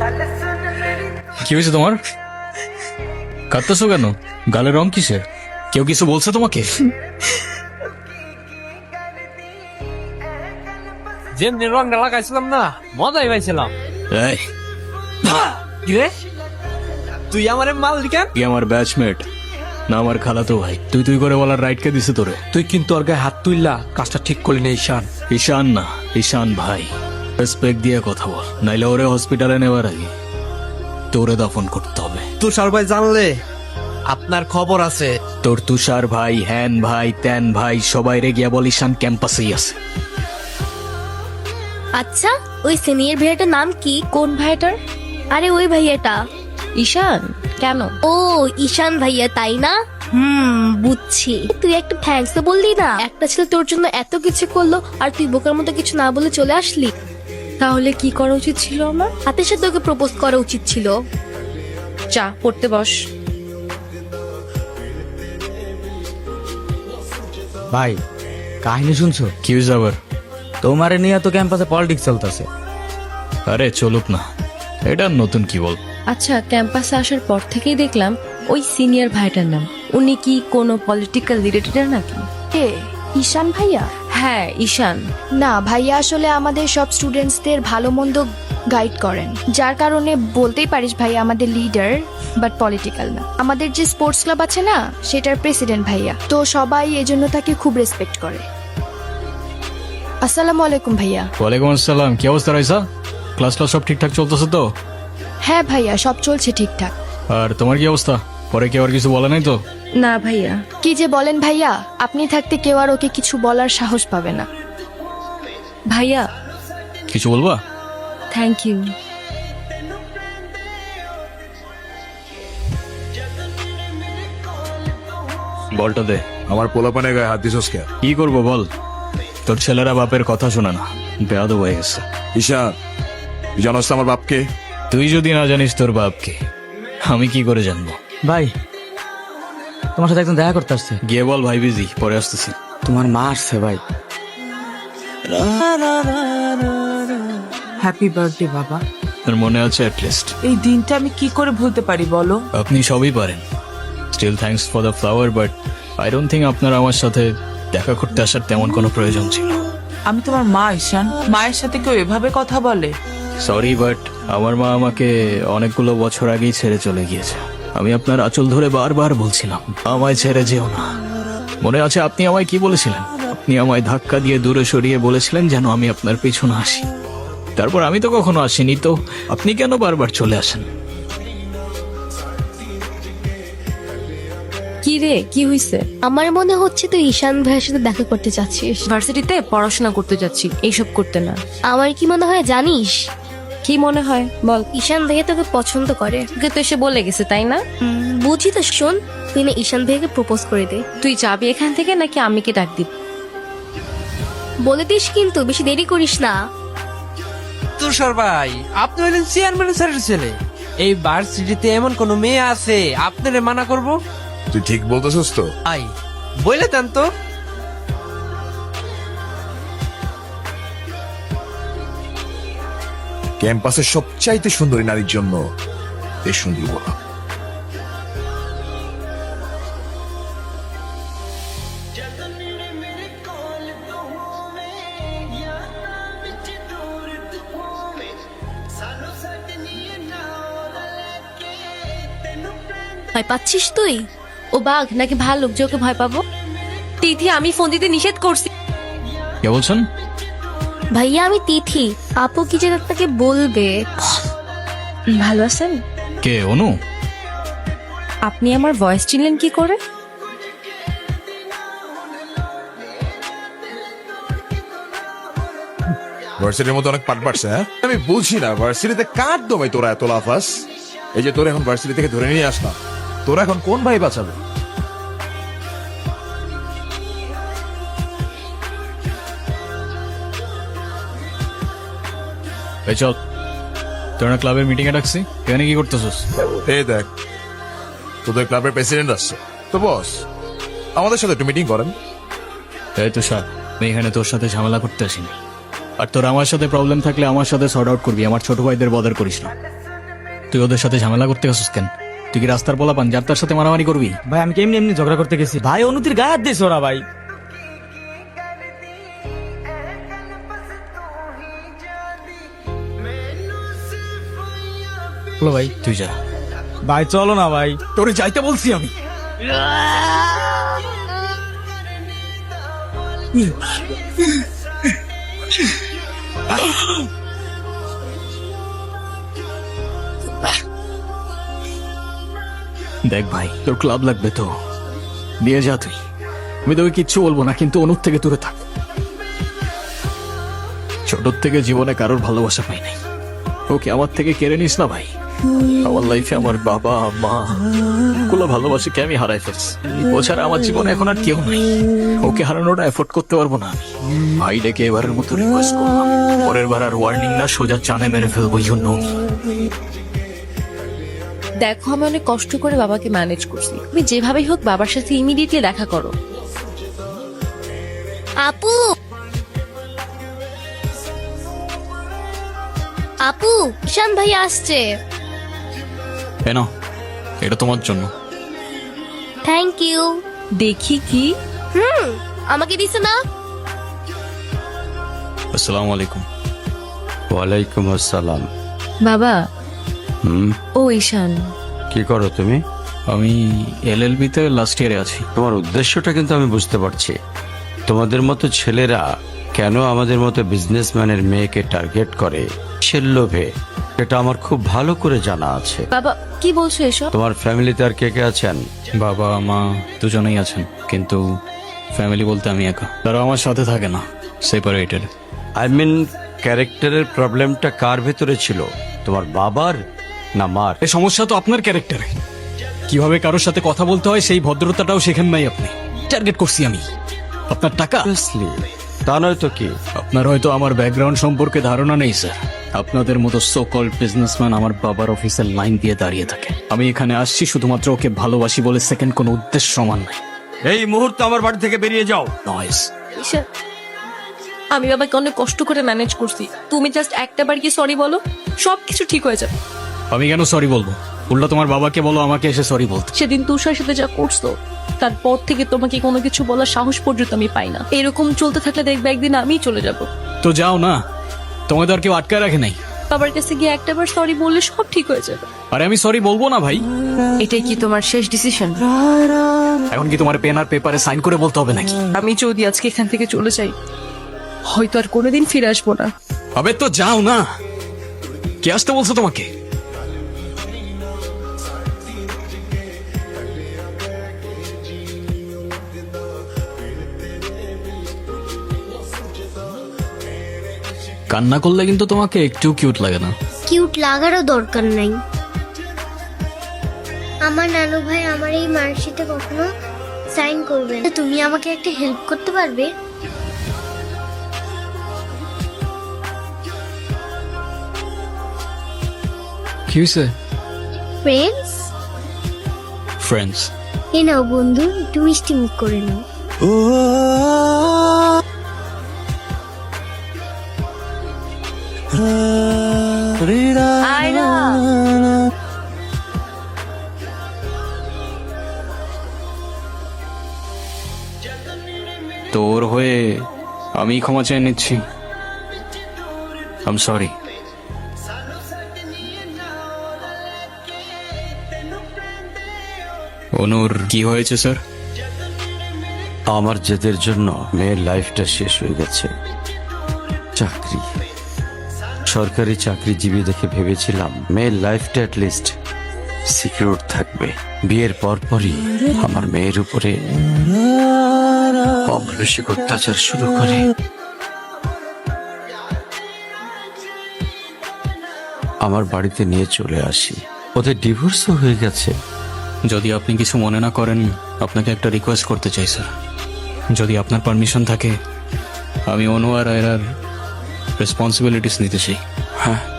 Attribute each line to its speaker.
Speaker 1: কি হয়েছে তোমার? কাঁদতেছো কেন? গালের রং কিসের? কেউ কিছু বলছে তোমাকে?
Speaker 2: যেমনি রংটা লাগাইছিলাম না, মজাই পাইছিলাম।
Speaker 1: এই,
Speaker 2: কিরে তুই আমার মালিকান?
Speaker 1: কি আমার ব্যাচমেট না আমার খালাতো ভাই? তুই তুই করে বলার রাইট কে দিছে তোরে?
Speaker 2: তুই কিন্তু ওর গায়ে হাত তুললা, কাজটা ঠিক করলি না ঈশান।
Speaker 1: ঈশান না, ঈশান ভাই। রেসপেক্ট দিয়ে কথা বল, নাইলে ওরে হসপিটালে নেওয়ার আগে তোরে দাফন করতে হবে।
Speaker 2: তুষার ভাই জানলে আপনার খবর আছে।
Speaker 1: তোর তুষার ভাই, হ্যান ভাই, ত্যান ভাই, সবাই রে গিয়া বল ঈশান ক্যাম্পাসেই আছে।
Speaker 3: আচ্ছা, ওই সিনিয়র ভাইয়াটার নাম কি?
Speaker 4: কোন ভাইটার?
Speaker 3: আরে ওই ভাইয়াটা।
Speaker 4: ঈশান? কেন?
Speaker 3: ও ঈশান ভাইয়া, তাই না? বুঝছি। তুই একটা থ্যাঙ্কস তো বললি না? একটা ছেলে তোর জন্য এত কিছু করলো আর তুই বোকার মতো কিছু না বলে চলে আসলি।
Speaker 4: তাহলে কি করা উচিত ছিল আমার?
Speaker 3: হাতের সাথে ওকে প্রপোজ করা উচিত ছিল।
Speaker 4: চা পড়তে বস।
Speaker 5: ভাই, কাহিনী শুনছো?
Speaker 1: কি হয়েছে আবার?
Speaker 5: তোমারে নিয়ে তো ক্যাম্পাসে পলিটিক্স চলতেছে।
Speaker 1: আরে চলুক না, এটা নতুন কি বল?
Speaker 4: আচ্ছা, ক্যাম্পাসে আসার পর থেকেই দেখলাম ওই সিনিয়র ভাইটার নাম। উনি কি কোনো পলিটিক্যাল রিলেটেড নাকি?
Speaker 6: কে? ঈশান ভাইয়া?
Speaker 4: হ্যাঁ, ঈশান।
Speaker 6: না, ভাইয়া আসলে আমাদের সব স্টুডেন্টসদের ভালো মন্দ গাইড করেন, যার কারণে বলতেই পারিস ভাইয়া আমাদের লিডার, বাট পলিটিক্যাল না। আমাদের যে স্পোর্টস ক্লাব আছে না, সেটার প্রেসিডেন্ট ভাইয়া, তো সবাই এজন্য তাকে খুব রেসপেক্ট করে। আসসালামু আলাইকুম ভাইয়া।
Speaker 1: ওয়ালাইকুম আসসালাম। কি অবস্থা রাইসা? ক্লাস সব ঠিকঠাক চলতেছে তো?
Speaker 6: হ্যাঁ ভাইয়া, সব চলছে ঠিকঠাক।
Speaker 1: আর তোমার কি অবস্থা? পরে কি আর কিছু বলে নাই তো?
Speaker 4: না ভাইয়া।
Speaker 6: কি যে বলেন ভাইয়া, আপনি থাকতে কেউ আর ওকে কিছু বলার সাহস পাবে না।
Speaker 4: ভাইয়া,
Speaker 1: কিছু বলবা?
Speaker 4: Thank you.
Speaker 1: বলটা দে।
Speaker 7: আমার পোলাপানে গায়ে হাত দিছস কে?
Speaker 1: কি করবো বল? তোর ছেলেরা বাপের কথা শোনা না, বেয়াদব হয়ে গেছে।
Speaker 7: ঈশান, তুই জানোস তো আমার বাপকে?
Speaker 1: তুই যদি না জানিস তোর বাপকে, আমি কি করে জানবো?
Speaker 5: ভাই, তোমার সাথে একজন দেখা করতে আসছে।
Speaker 1: গিয়ে বল ভাই বিজি, পরে আসতেছি।
Speaker 5: তোমার মা আসছে ভাই।
Speaker 8: হ্যাপি বার্থডে বাবা।
Speaker 1: তোর মনে আছে অ্যাটলিস্ট?
Speaker 8: এই দিনটা আমি কি করে ভুলতে পারি বলো?
Speaker 1: আপনি সবই পারেন। Still thanks for the flower, but I don't think আপনার আমার সাথে দেখা করতে আসার তেমন কোনো প্রয়োজন ছিল।
Speaker 8: আমি তোমার মা ঈশান, মায়ের সাথে কেউ এভাবে কথা বলে?
Speaker 1: সরি, বাট আমার মা আমাকে অনেকগুলো বছর আগেই ছেড়ে চলে গিয়েছে। আমি আপনার আঁচল ধরে বারবার বলছিলাম আমায় ছেড়ে যেও না। মনে আছে আপনি আমায় কি বলেছিলেন? আপনি আমায় ধাক্কা দিয়ে দূরে সরিয়ে বলেছিলেন যেন আমি আপনার পেছনে আসি। তারপর আমি তো কখনো আসিনি, তো আপনি কেন বারবার চলে আসেন?
Speaker 4: কি রে, কি হইছে?
Speaker 3: আমার মনে হচ্ছে তুই ঈশান ভাইয়ের সাথে দেখা করতে চাচ্ছিস।
Speaker 4: ভার্সিটিতে পড়াশোনা করতে যাচ্ছি, এইসব করতে না।
Speaker 3: আমার কি মনে হয় জানিস?
Speaker 4: কি মনে হয় বল?
Speaker 3: ঈশান ভাইয়া তোকে পছন্দ করে।
Speaker 4: তোকে তো এসে বলে গেছে, তাই না?
Speaker 3: বুঝি তো, শোন, তুই না ঈশান ভাইয়াকে প্রপোজ করে দে।
Speaker 4: তুই যাবি এখান থেকে নাকি আমি কি ডাক দিব?
Speaker 3: বলে দিস কিন্তু, বেশি দেরি করিস না।
Speaker 2: তুষার ভাই, আপনি হলেন চেয়ারম্যান স্যারের ছেলে। এই ভার্সিটিতে এমন কোন মেয়ে আছে আপনারে মানা করব?
Speaker 7: তুই ঠিক বলতেছস তো?
Speaker 2: আই বলে দেন তো।
Speaker 7: ক্যাম্পাসের সবচাইতে সুন্দরী নারীর জন্য এই সুন্দরী বলা।
Speaker 3: ভয় পাচ্ছিস তুই?
Speaker 4: ও বাঘ নাকি ভাল্লুক যে ওকে ভয় পাবো? তিথি, আমি ফোন দিতে নিষেধ করছি।
Speaker 1: কে বলছেন?
Speaker 3: ভাইয়া আমি তিথি। আপু কি যে আপনাকে বলবে।
Speaker 4: ভালো আছেন?
Speaker 1: কে? অনু?
Speaker 4: আপনি আমার ভয়েস চিনলেন কি করে?
Speaker 7: ভার্সিটির মধ্যে অনেক পাট পাটছে। হ্যাঁ, আমি বুঝি না ভার্সিটিতে কার দমে তোরা এত লাফাস। এই যে তোরা এখন ভার্সিটি থেকে ধরে নিয়ে আসলাম, তোরা এখন কোন ভাই বাঁচাবে?
Speaker 1: এই চল, তোরা ক্লাবের মিটিং এ ডাকছি, এখানে কি করতেছিস?
Speaker 7: এই দেখ, তোদের ক্লাবের প্রেসিডেন্ট আসছে তো বস, আমাদের সাথে একটু মিটিং করেন।
Speaker 1: এই তুষার, আমি এখানে তোর সাথে ঝামেলা করতে আসিনি। আর তোর আমার সাথে প্রবলেম থাকলে আমার সাথে সর্ট আউট করবি, আমার ছোট ভাইদের বদার করিস না। তুই ওদের সাথে ঝামেলা করতে গেছিস কেন? তুই কি রাস্তার পোলা পান যার তার সাথে মারামারি করবি?
Speaker 5: ভাই আমি কেমনি এমনি ঝগড়া করতে গেছি ভাই, অনুতির গায়ে হাত দিয়েছে ওরা ভাই। বলো ভাই।
Speaker 1: তুই যা।
Speaker 5: ভাই চলো না ভাই।
Speaker 1: তোরে যাইতে বলছি আমি। দেখ ভাই, তোর ক্লাব লাগবে তো দিয়ে যা তুই। আমি তোকে কিচ্ছু বলবো না, কিন্তু অনুর থেকে দূরে থাক। ছোটর থেকে জীবনে কারোর ভালোবাসা পাই নাই, ওকে আমার থেকে কেড়ে নিস না ভাই। আমার লাইফে আমার বাবা মা গুলো ভালোবাসিকে আমি হারাই ফেলছি। ও ছাড়া আমার জীবনে এখন আর কেউ নাই। ওকে হারানোটা এফোর্ড করতে পারবো না আমি। ভাই ডেকে এবারের মতো রিকোয়েস্ট করলাম, পরের বার আর ওয়ার্নিং না, সোজা চানে মেরে ফেলবো। জন্য
Speaker 4: দেখো আমি অনেক কষ্ট করে বাবাকে ম্যানেজ করছি, তুমি যেভাবেই হোক বাবার সাথে ইমিডিয়েটলি দেখা করো।
Speaker 3: আপু, আপু, ঈশান ভাই আসছে।
Speaker 1: কেন? এটা তোমার জন্য।
Speaker 3: Thank you.
Speaker 4: দেখি কি।
Speaker 3: আমাকে দিছে না?
Speaker 1: আসসালামু আলাইকুম।
Speaker 9: ওয়ালাইকুম আসসালাম।
Speaker 4: বাবা।
Speaker 9: হুম,
Speaker 4: ও ঈশান,
Speaker 9: কি করো তুমি?
Speaker 1: আমি LLB তে লাস্ট ইয়ারে আছি।
Speaker 9: তোমার উদ্দেশ্যটা কিন্তু আমি বুঝতে পারছি। তোমাদের মতো ছেলেরা কেন আমাদের মতো বিজনেসম্যানের মেয়েকে টার্গেট করে সে লোভে, এটা আমার খুব ভালো করে জানা আছে।
Speaker 4: বাবা কি বলছো এসব?
Speaker 9: তোমার ফ্যামিলিতে আর কে কে আছেন?
Speaker 1: বাবা মা দুজনেই আছেন, কিন্তু ফ্যামিলি বলতে আমি একা। তারা আমার সাথে থাকে না, সেপারেটেড।
Speaker 9: আই মিন ক্যারেক্টারের প্রবলেমটা কার ভেতরে ছিল, তোমার বাবার না মার?
Speaker 1: এই সমস্যা তো আপনার ক্যারেক্টারে। কিভাবে কারোর সাথে কথা বলতে হয় সেই ভদ্রতাটাও শেখেন নাই আপনি। টার্গেট করছি আমি আপনার টাকা।
Speaker 9: Obviously, তা নয় তো কি?
Speaker 1: আপনার হয়তো আমার ব্যাকগ্রাউন্ড সম্পর্কে ধারণা নেই স্যার। আপনাদের মতো সো কল্ড বিজনেসম্যান আমার বাবার অফিসের লাইন দিয়ে দাঁড়িয়ে থাকে। আমি এখানে আসছি শুধুমাত্র ওকে ভালোবাসি বলে, সেকেন্ড কোনো উদ্দেশ্য সমান নাই।
Speaker 9: এই মুহূর্তে আমার বাড়ি থেকে বেরিয়ে যাও।
Speaker 1: নয়েস।
Speaker 4: ঈশান, আমি বাবাকে অনেক কষ্ট করে ম্যানেজ করছি, তুমি জাস্ট একটা বার কি সরি বলো, সবকিছু ঠিক হয়ে যাবে।
Speaker 1: আমি কেন সরি বলবো? উল্টা তোমার বাবাকে বলো আমাকে এসে সরি বলতে।
Speaker 4: সেদিন তুষার সাথে যা করছো তারপর থেকে তোমাকে কোনো কিছু বলার সাহস পর্যন্ত আমি পাই না। এরকম চলতে থাকলে দেখবে একদিন আমিই চলে যাব।
Speaker 1: তো যাও না, তোমাদের আর কেউ আটকায় রাখে নাই।
Speaker 4: বাবার কাছে গিয়ে একটাবার সরি বললে সব ঠিক হয়ে যাবে।
Speaker 1: আরে আমি সরি বলবো না ভাই।
Speaker 4: এটাই কি তোমার শেষ ডিসিশন?
Speaker 1: এখন কি তোমার পেন আর পেপারে সাইন করে বলতে হবে নাকি?
Speaker 4: আমি যদি আজকে এখান থেকে চলে যাই হয়তো আর কোনোদিন ফিরে আসবো না।
Speaker 1: আবে তো যাও না, কে আসতে বলছো তোমাকে? কান্না করলে কিন্তু তোমাকে একটু কিউট লাগে না।
Speaker 10: কিউট লাগারও দরকার নাই। আমার নানু ভাই আমার এই মার্কশিটে কখনো সাইন করবে না। তুমি আমাকে একটা হেল্প করতে পারবে?
Speaker 1: কি হয়েছে?
Speaker 10: Friends,
Speaker 1: friends.
Speaker 10: এ নাও বন্ধু, একটু মিষ্টি মুখ করে নাও।
Speaker 4: আয়রা,
Speaker 1: তোর হয়ে আমি ক্ষমা চেয়ে নিচ্ছি। I am sorry. অনুর কি হয়েছে স্যার?
Speaker 9: আমার জেদের জন্য মেয়ের লাইফটা শেষ হয়ে গেছে। চাকরি, সরকারি চাকরিজীবী দেখে ভেবেছিলাম মেয়ের লাইফটা অ্যাটলিস্ট সিকিউর থাকবে। বিয়ের পরপরই আমার মেয়ের উপরে অমানসিক অত্যাচার শুরু করে। আমার বাড়িতে নিয়ে চলে আসি, ওদের ডিভোর্সও হয়ে গেছে।
Speaker 1: যদি আপনি কিছু মনে না করেন, আপনাকে একটা রিকোয়েস্ট করতে চাই স্যার। যদি আপনার পারমিশন থাকে, আমি অনু আর আয়রার রেসপন্সিবিলিটিস নিতে চাই।
Speaker 9: হ্যাঁ,